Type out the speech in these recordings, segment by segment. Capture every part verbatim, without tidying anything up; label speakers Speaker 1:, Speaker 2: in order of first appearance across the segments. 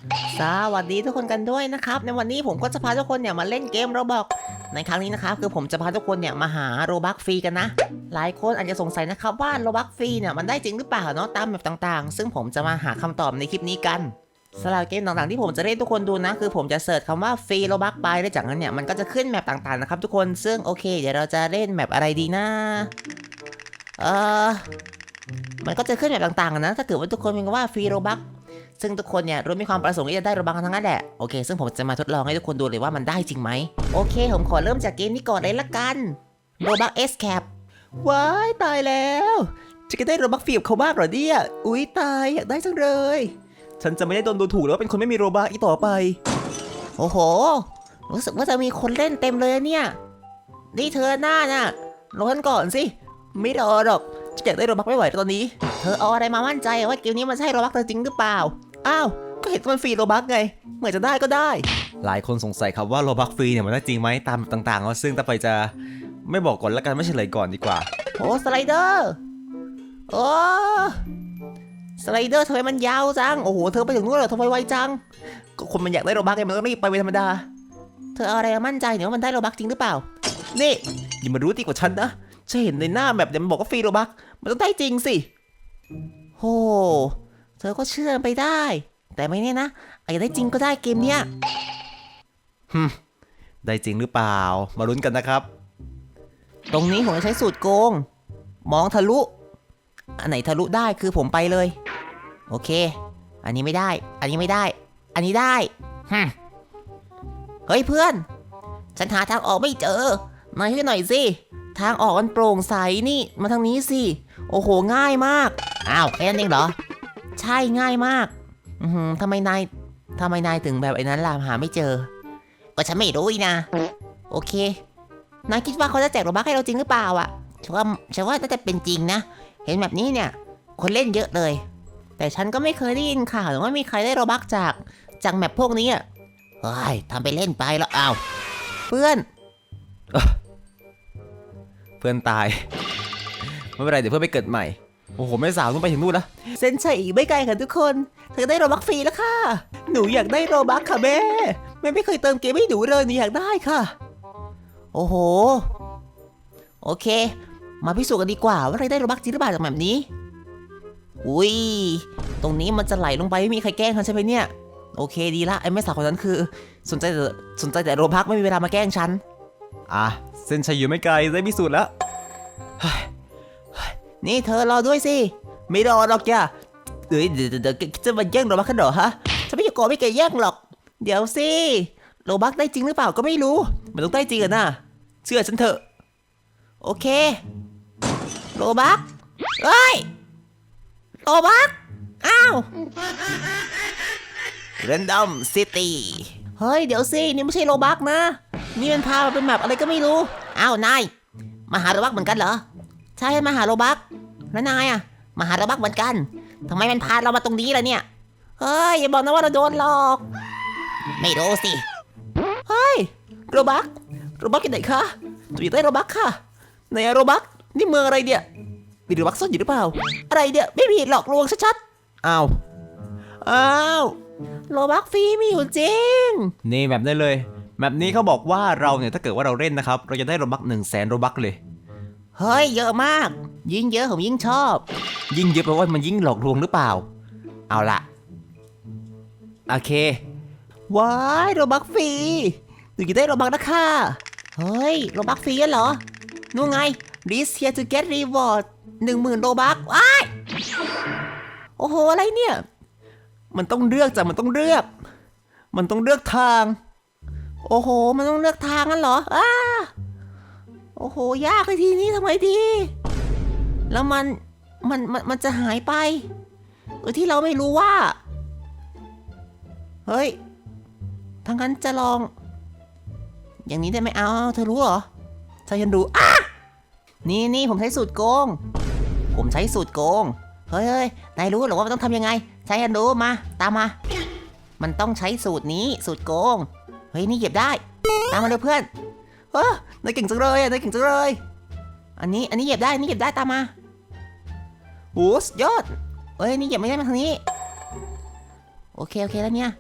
Speaker 1: สวัสดีทุกคนกันด้วยนะครับในวันนี้ผมก็จะพาทุกคนเนี่ยมาเล่นเกมโรบอกในครั้งนี้นะครับคือผมจะพาทุกคนเนี่ยมาหาโรบักฟรีกันนะหลายคนอาจจะสงสัยนะครับว่าโรบักฟรีเนี่ยมันได้จริงหรือเปล่าเนาะตามแบบต่างๆซึ่งผมจะมาหาคำตอบในคลิปนี้กันสำหรับเกมต่างๆที่ผมจะเล่นทุกคนดูนะคือผมจะเสิร์ชคำว่าฟรีโรบักไปแล้วจากนั้นเนี่ยมันก็จะขึ้นแมปต่างๆนะครับทุกคนซึ่งโอเคเดี๋ยวเราจะเล่นแมปอะไรดีนะเออมันก็จะขึ้นแมปต่างๆนะถ้าเกิดว่าทุกคนเป็นว่าฟรีโรบักซึ่งทุกคนเนี่ยรู้มีความประสงค์ที่จะได้โรบักทั้งนั้นแหละโอเคซึ่งผมจะมาทดลองให้ทุกคนดูเลยว่ามันได้จริงไหมโอเคผมขอเริ่มจากเกมนี้ก่อนเลยละกันโรบักเอสแคปว้ายตายแล้วจะได้โรบักฟรีกับเขาบ้างเหรอเนี่ยอุ๊ยตายอยากได้จังเลยฉันจะไม่ได้โดนดูถูกแล้วว่าเป็นคนไม่มีโรบักอีกต่อไปโอ้โหรู้สึกว่าจะมีคนเล่นเต็มเลยเนี่ยนี่เธอหน้าน่ะรอฉันก่อนสิไม่รอหรอกจะอยากได้โรบักไม่ไหวตอนนี้เธอเอาอะไรมามั่นใจว่าเกมนี้มันใช่โรบักเธอจริงหรือเปล่าอ้าวก็เห็นมันฟรีโรบักไงเหมือนจะได้ก็ได้หลายคนสงสัยครับว่าโรบักฟรีเนี่ยมันได้จริงไหมตามต่างๆแล้วซึ่งต่อไปจะไม่บอกก่อนแล้วกันไม่เฉลยก่อนดีกว่าโอ้สไลเดอร์โอ้สไลเดอร์ทำไมมันยาวจังโอ้โหเธอไปถึงนู้นเหรอทำไมไวจังก็คนมันอยากได้โรบักไงมันต้องรีบไปเป็นธรรมดาเธอเอาอะไรมามั่นใจเนี่ยว่ามันได้โรบักจริงหรือเปล่านี่อย่ามารู้ดีกว่าฉันนะฉันเห็นในหน้าแบบเดี๋ยวมันบอกว่าฟรีโรบักมันต้องได้จริงสิโอ้เธอก็เชื่อไปได้แต่ไม่แน่นะอาจจะได้จริงก็ได้เกมเนี้ยฮึมได้จริงหรือเปล่ามาลุ้นกันนะครับตรงนี้ผมจะใช้สูตรโกงมองทะลุอันไหนทะลุได้คือผมไปเลยโอเคอันนี้ไม่ได้อันนี้ไม่ได้อันนี้ได้ฮึมเฮ้ยเพื่อนฉันหาทางออกไม่เจอนายช่วยหน่อยสิทางออกมันโปร่งใสนี่มาทางนี้สิโอ้โหง่ายมากอ้าวแค่นั้นเองเหรอใช่ง่ายมากอือทำไมนายทำไมนายถึงแบบไอ้นั้นล่ะหาไม่เจอก็ฉันไม่รู้นะโอเคนายคิดว่าเขาจะแจกโรบัคให้เราจริงหรือเปล่าอ่ะฉันว่าฉันว่าน่าจะเป็นจริงนะเห็นแบบนี้เนี่ยคนเล่นเยอะเลยแต่ฉันก็ไม่เคยได้ยินข่าวว่ามีใครได้โรบัคจากจากแมปพวกนี้อ่ะเฮ้ยทำไปเล่นไปแล้วอ้าวเพื่อนเพื่อนตายไม่เป็นไรเดี๋ยวเพื่อนไปเกิดใหม่โอ้โหแม่สาวต้องไปถึงนู่นแล้วเส้นชัยอีกไม่ไกลค่ะทุกคนเธอได้โรบัคฟรีแล้วค่ะหนูอยากได้โรบัคค่ะแม่แม่ไม่เคยเติมเกมให้หนูเลยหนูอยากได้ค่ะโอ้โหโอเคมาพิสูจน์กันดีกว่าว่าใครได้โรบัคจริงหรือเปล่าจากแบบนี้อุ้ยตรงนี้มันจะไหลลงไปไม่มีใครแกล้งฉันใช่ไหมเนี่ยโอเคดีละไอ้แม่สาวคนนั้นคือสนใจแต่สนใจแต่โรบัคไม่มีเวลามาแกล้งฉันอ่ะเส้นชัยอยู่ไม่ไกลได้พิสูจน์แล้วนี่เธอรอด้วยสิไม่รอหรอกจ้ะเดี๋ยวเดี๋ยวเดี๋ยวจะมาแย่งโรบัคกันเหรอฮะฉันไม่อยากโกรธไม่เกยแย่งหรอกเดี๋ยวสิโรบัคได้จริงหรือเปล่าก็ไม่รู้มันต้องได้จริงอะนะเชื่อฉันเถอะโอเคโรบัคเอ้ยโรบัคอ้าวเรนดอมซิตี้เฮ้ยเดี๋ยวสินี่ไม่ใช่โรบัคนะนี่มันพามาเป็นแมปอะไรก็ไม่รู้อ้าวนายมาหาโรบัคเหมือนกันเหรอใช่มาหาโรบัคแล้วนายอะมาหาโรบัคเหมือนกันทำไมมันพาเรามาตรงนี้ล่ะเนี่ยเฮ้ยอย่าบอกนะว่าเราโดนหลอกไม่รู้สิเฮ้ยโรบัคโรบัคอยู่ไหนคะตัวอยากได้โรบัคค่ะไหนอะโรบัคนี่เมืองอะไรเนี่ยมีโรบัคซ่อนอยู่หรือเปล่าอะไรเนี่ยไม่มีหลอกลวงชัดๆอ้าวอ้าวโรบัคฟรีมีอยู่จริงนี่แบบได้เลยแบบนี้เขาบอกว่าเราเนี่ยถ้าเกิดว่าเราเล่นนะครับเราจะได้โรบัคหนึ่งแสนโรบัคเลยเฮ้ยเยอะมากยิ่งเยอะผมยิ่งชอบยิ่งเยอะแปลว่ามันยิ่งหลอกลวงหรือเปล่าเอาล่ะโอเคว้ายโรบัคฟรีหนูจะได้โรบัคนะค่ะเฮ้ยโรบัคฟรีเหรอนู่นไง This here to get reward หนึ่งหมื่นโรบัคว้ายโอ้โหอะไรเนี่ยมันต้องเลือกจ้ะมันต้องเลือกมันต้องเลือกทางโอ้โหมันต้องเลือกทางงั้นเหรออ้าโอ้โหยากเลยทีนี้ทำไมดีแล้วมันมันมันมันจะหายไปโดยที่เราไม่รู้ว่าเฮ้ยทางนั้นจะลองอย่างนี้ได้ไหมเอาเธอรู้เหรอใช่ฉันรู้อ่ะนี่นี่ผมใช้สูตรโกงผมใช้สูตรโกงเฮ้ยเฮ้ยนายรู้หรือว่ามันต้องทำยังไงใช่ฉันรู้มาตามมามันต้องใช้สูตรนี้สูตรโกงเฮ้ยนี่เหยียบได้ตามมาเลยเพื่อนเฮ้ยนายเก่งจังเลยอ่ะนายเก่งจังเลยอันนี้อันนี้เหยียบได้อันนี้เหยียบได้ตามมาโอ้สุดยอดเอ้ยนี่เหยียบไม่ได้มาทางนี้โอเคโอเคแล้วเนี่ย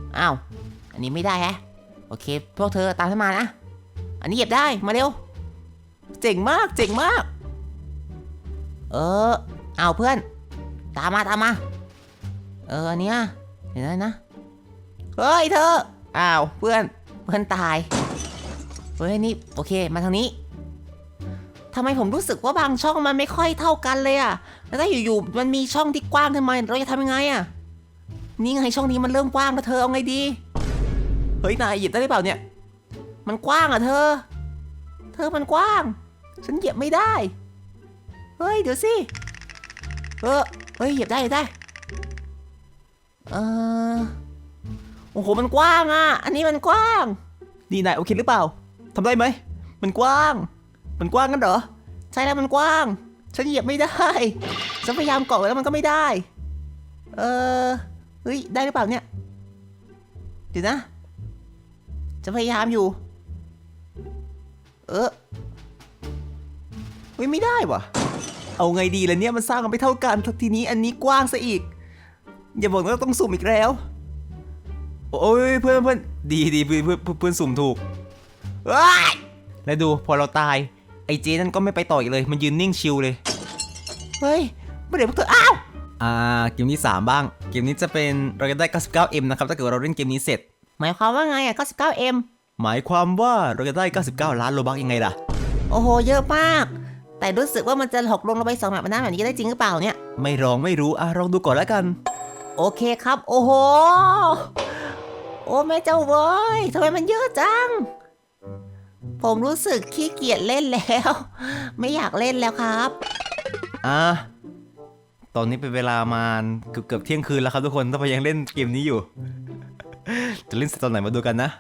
Speaker 1: อ้าวอันนี้ไม่ได้แฮะโอเคพวกเธอตามฉันมานะอันนี้เหยียบได้มาเร็วเจ๋งมากเจ๋งมากเออเอาเพื่อนตามมาตามมาเอออันเนี้ยเห็นไหมนะเฮ้ยเธออ้าวเพื่อนเพื่อนตายเฮ้ยนี่โอเคมาทางนี้ทำไมผมรู้สึกว่าบางช่องมันไม่ค่อยเท่ากันเลยอะแล้วถ้าอยู่ๆมันมีช่องที่กว้างทำไมเราจะทำยังไงอะนี่ไงช่องนี้มันเริ่มกว้างแล้วเธอเอาไงดีเฮ้ยนายหยิบได้หรือเปล่าเนี่ยมันกว้างอะเธอเธอมันกว้างฉันเหยียบไม่ได้เฮ้ยเดี๋ยวสิเออเฮ้ยเหยียบได้เหยียบได้เออโอ้โหมันกว้างอะอันนี้มันกว้างนี่นายโอเคหรือเปล่าทำได้ไหมมันกว้างมันกว้างกันเหรอใช่แล้วมันกว้างฉันเหยียบไม่ได้ฉันพยายามเกาะแล้วมันก็ไม่ได้เออเฮ้ยได้หรือเปล่าเนี่ยเดี๋ยวนะจะพยายามอยู่เออเฮ้ยไม่ได้วะเอาไงดีล่ะเนี่ยมันสร้างกันไม่เท่ากันทีนี้อันนี้กว้างซะอีกอย่าบอกว่าต้องสุ่มอีกแล้วโอ้ยเพื่อนเพื่อนดีดีเพื่อนเพื่อนเพื่อนสุ่มถูกแล้วดูพอเราตายไอ้เจนั่นก็ไม่ไปต่ออีกเลยมันยืนนิ่งชิลเลยเฮ้ยไม่เดี๋ยวพวกเธออ้าวอ่าเกมที่สามบ้างเกมนี้จะเป็นเราจะได้ เก้าสิบเก้าเอ็ม นะครับถ้าเกิดเราเล่นเกมนี้เสร็จหมายความว่าไงอ่ะ เก้าสิบเก้าเอ็ม หมายความว่าเราจะได้เก้าสิบเก้าล้านโลบัคยังไงล่ะโอ้โหเยอะมากแต่รู้สึกว่ามันจะหกลงเราไปสองแบบนั้นแบบนี้ได้จริงหรือเปล่าเนี่ยไม่ลองไม่รู้อ่ะลองดูก่อนแล้วกันโอเคครับโอ้โหโอ้แม่เจ้าเว้ยทำไมมันเยอะจังผมรู้สึกขี้เกียจเล่นแล้วไม่อยากเล่นแล้วครับอ่ะตอนนี้เป็นเวลามาเกือบเกือบเที่ยงคืนแล้วครับทุกคนถ้าพยังเล่นเกมนี้อยู่ จะเล่นตอนไหนมาดูกันนะ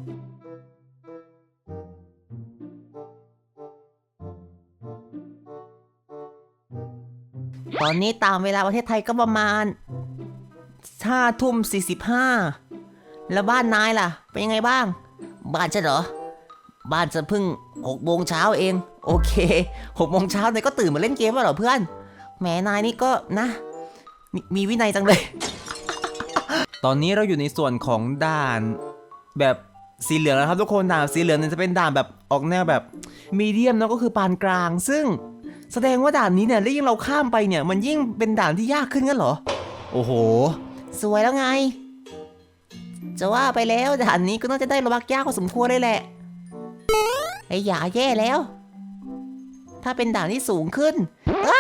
Speaker 1: ตอนนี้ตามเวลาประเทศไทยก็ประมาณห้าทุ่มสี่สิบห้าแล้วบ้านนายล่ะเป็นยังไงบ้างบ้านฉันเหรอบ้านฉันเพิ่งหกโมงเช้าเองโอเคหกโมงเช้านายก็ตื่นมาเล่นเกมแล้วเหรอเพื่อนแหมนายนี่ก็นะม, มีวินัยจังเลย ตอนนี้เราอยู่ในส่วนของด่านแบบสีเหลืองแล้วครับทุกคนด่านสีเหลืองเนี่ยจะเป็นด่านแบบออกแนวแบบมีเดียมเนาะก็คือปานกลางซึ่งแสดงว่าด่านนี้เนี่ยแล้วยิ่งเราข้ามไปเนี่ยมันยิ่งเป็นด่านที่ยากขึ้นงั้นเหรอโอ้โหสวยแล้วไงจะว่าไปแล้วด่านนี้ก็น่าจะได้โลบัคยากพอสมควรเลยแหละไอ้หยาแย่แล้วถ้าเป็นด่านที่สูงขึ้นอ้า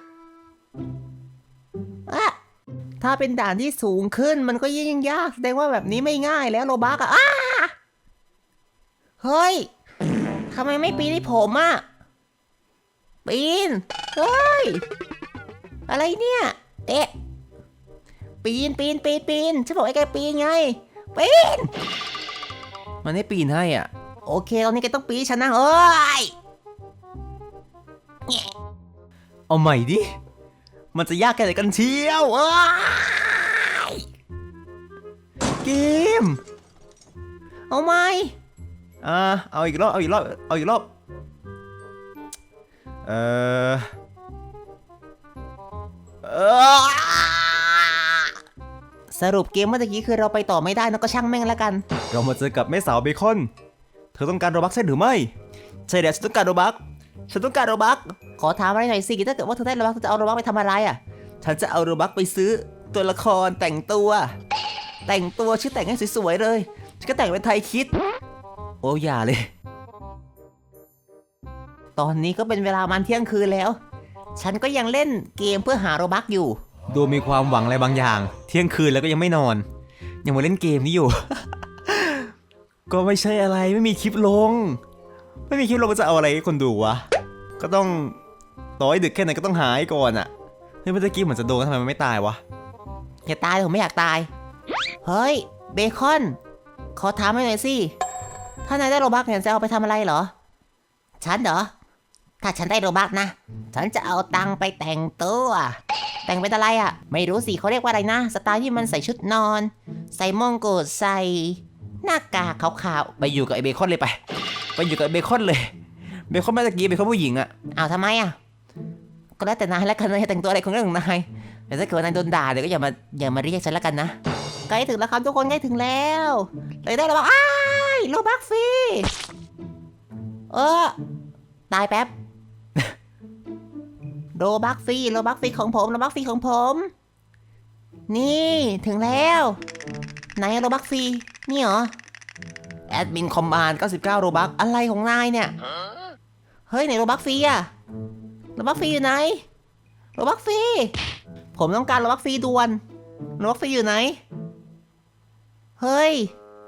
Speaker 1: อะถ้าเป็นด่านที่สูงขึ้นมันก็ยิ่งยากแสดงว่าแบบนี้ไม่ง่ายแล้วโลบัคอะอ้าเฮ้ยทำไมไม่ปีนให้ผมอะปีนเฮ้ยอะไรเนี่ยเตะปีนปีนปีนปีนฉันบอกให้แกปีนไงปีนมันให้ปีนให้อ่ะโอเคตอนนี้แกต้องปีนฉันนะเฮ้ยเอาใหม่ดิมันจะยากแค่ไหนกันเชียวเอ้ยเกมเอาใหม่อ่าเอาอีกรอบเอาอีกรอบเอาอีกรอบเออเออสรุปเกมเมื่อกี้คือเราไปต่อไม่ได้นะก็ช่างแม่งแล้วกันเรามาเจอกับแม่สาวเบคอนเธอต้องการโรบัคใช่หรือไม่ใช่แล้วฉันต้องการโรบัคฉันต้องการโรบัคขอถามอะไรหน่อยสิถ้าเกิดว่าเธอได้โรบัคเธอจะเอาโรบัคไปทำอะไรอ่ะฉันจะเอาโรบัคไปซื้อตัวละครแต่งตัวแต่งตัวชื่อแต่งให้สวยๆเลยฉันก็แต่งเป็นไทยคิดโอ้อย่าเลยตอนนี้ก็เป็นเวลามันเที่ยงคืนแล้วฉันก็ยังเล่นเกมเพื่อหาโรบัคอยู่ดูมีความหวังอะไรบางอย่างเที่ยงคืนแล้วก็ยังไม่นอนยังมาเล่นเกมนี้อยู่ ก็ไม่ใช่อะไรไม่มีคลิปลงไม่มีคลิปลงจะเอาอะไรให้คนดูวะก็ต้องต่อให้ดึกแค่ไหนก็ต้องหายก่อนอะเฮ้ยเมื่อกี้เหมือนจะโดนทำไมมันไม่ตายวะอย่าตายผมไม่อยากตายเฮ้ยเบคอนขอถามหน่อยสิถ้านายได้โรบัคเนี่ยจะเอาไปทำอะไรเหรอฉันเหรอถ้าฉันได้โรบัคนะฉันจะเอาตังค์ไปแต่งตัวแต่งเป็นอะไรอ่ะไม่รู้สิเขาเรียกว่าอะไรนะสไตล์ที่มันใส่ชุดนอนใส่มงกุฎใส่หน้ากากขาวๆไปอยู่กับไอเบคอนเลยไปไปอยู่กับไอเบคอนเลยเบคอนเมื่อกี้เบคอนผู้หญิงอ่ะอ้าวทำไมอ่ะก็แล้วแต่นายแล้วกันนายแต่งตัวอะไรของเรื่องของนายแต่ถ้าเกิดนายโดนด่าเดี๋ยวก็อย่ามาอย่ามาเรียกฉันแล้วกันนะใกล้ถึงแล้วครับทุกคนใกล้ถึงแล้วเลยได้แล้วบอกอ้ายโลบักฟรีเออตายแป๊บ โลบักฟรีโลบักฟรีของผมโลบักฟรีของผมนี่ถึงแล้วไหนโลบักฟรีนี่เหรอแอดมินคอมมานด์เก้าสิบเก้าโลบักอะไรของนายเนี่ยเฮ้ยไหนโลบักฟรีอะโลบักฟรีอยู่ไหนโลบักฟรีผมต้องการโลบักฟรีด่วนโลบักฟรีอยู่ไหนเฮ้ย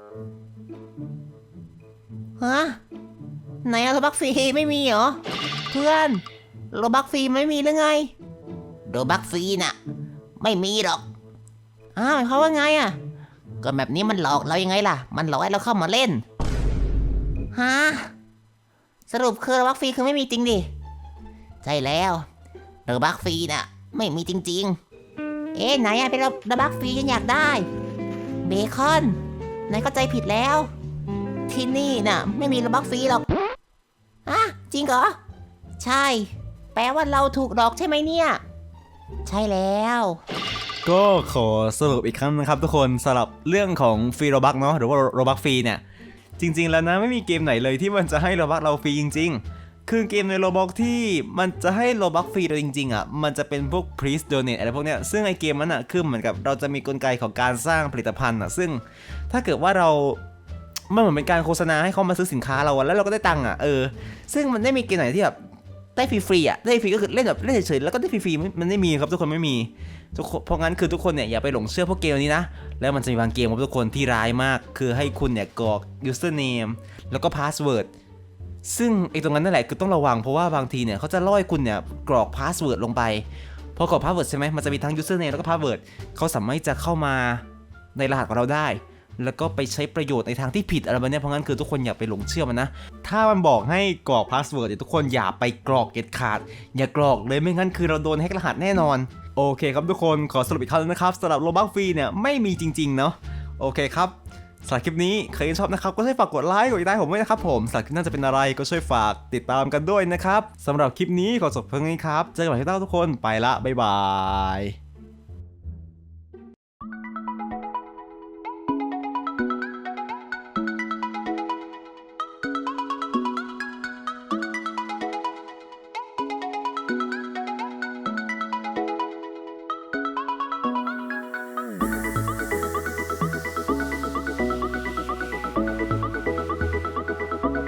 Speaker 1: ฮะไหนอะโลบักฟรีไม่มีเหรอเพื่อนโลบักฟรีไม่มีหรือไงโลบักฟรีน่ะไม่มีหรอกอ้าวเขาว่าไงอะก็แบบนี้มันหลอกเรายังไงล่ะมันหลอกให้เราเข้ามาเล่นฮะสรุปคือโลบักฟรีคือไม่มีจริงดิใช่แล้วโลบักฟรีน่ะไม่มีจริงๆเอ๊ะไหนอะเป็นโลบักฟรีฉันอยากได้เบคอนนายเข้าใจผิดแล้วที่นี่น่ะไม่มีโลบักฟรีหรอกอะจริงเหรอใช่แปลว่าเราถูกหลอกใช่ไหมเนี่ยใช่แล้ว
Speaker 2: ก็ขอสรุปอีกครั้งนะครับทุกคนสำหรับเรื่องของฟรีโรบักเนาะหรือว่าโรบักฟรีเนี่ยจริงๆแล้วนะไม่มีเกมไหนเลยที่มันจะให้โรบักเราฟรีจริงๆคือเกมในโรบักที่มันจะให้โรบักฟรีเราจริงๆอ่ะมันจะเป็นพวก please donate อะไรพวกเนี้ยซึ่งไอเกมนั้นอ่ะคือเหมือนกับเราจะมีกลไกของการสร้างผลิตภัณฑ์อ่ะซึ่งถ้าเกิดว่าเรามันเหมือนเป็นการโฆษณาให้เขามาซื้อสินค้าเราแล้วเราก็ได้ตังค์อ่ะเออซึ่งมันไม่มีเกมไหนที่แบบได้ฟรีๆอ่ะได้ฟรีก็คือเล่นแบบเล่นเฉยๆแล้วก็ได้ฟรีๆมันไม่มีครับทุกคนไม่มีทุกคนเพราะงั้นคือทุกคนเนี่ยอย่าไปหลงเชื่อพวกเกมนี้นะแล้วมันจะมีบางเกมครับทุกคนที่ร้ายมากคือให้คุณเนี่ยกรอก username แล้วก็ password ซึ่งไอ้ตรงนั้นนั่นแหละคือต้องระวังเพราะว่าบางทีเนี่ยเขาจะล่อให้คุณเนี่ยกรอก password ลงไปพอกรอก password ใช่ไหมมันจะมีทั้ง username แล้วก็ password เขาสามารถจะเข้ามาในรหัสของเราได้แล้วก็ไปใช้ประโยชน์ในทางที่ผิดอะไรแบบนี้เพราะงั้นคือทุกคนอย่าไปหลงเชื่อมันนะถ้ามันบอกให้กรอกพาสเวิร์ดทุกคนอย่าไปกรอกเด็ดขาดอย่ากรอกเลยไม่งั้นคือเราโดนแฮกรหัสแน่นอนโอเคครับทุกคนขอสรุปอีกครั้งนะครับสำหรับโลบักฟรีเนี่ยไม่มีจริงๆเนาะโอเคครับสำหรับคลิปนี้ใครชอบนะครับก็ช่วยฝากกดไลค์กดติดตามผมด้วยนะครับผมสำหรับคลิปหน้าจะเป็นอะไรก็ช่วยฝากติดตามกันด้วยนะครับสำหรับคลิปนี้ขอจบเพียงนี้ครับเจอกันใหม่ที่หน้าทุกคนไปละบ๊ายบาย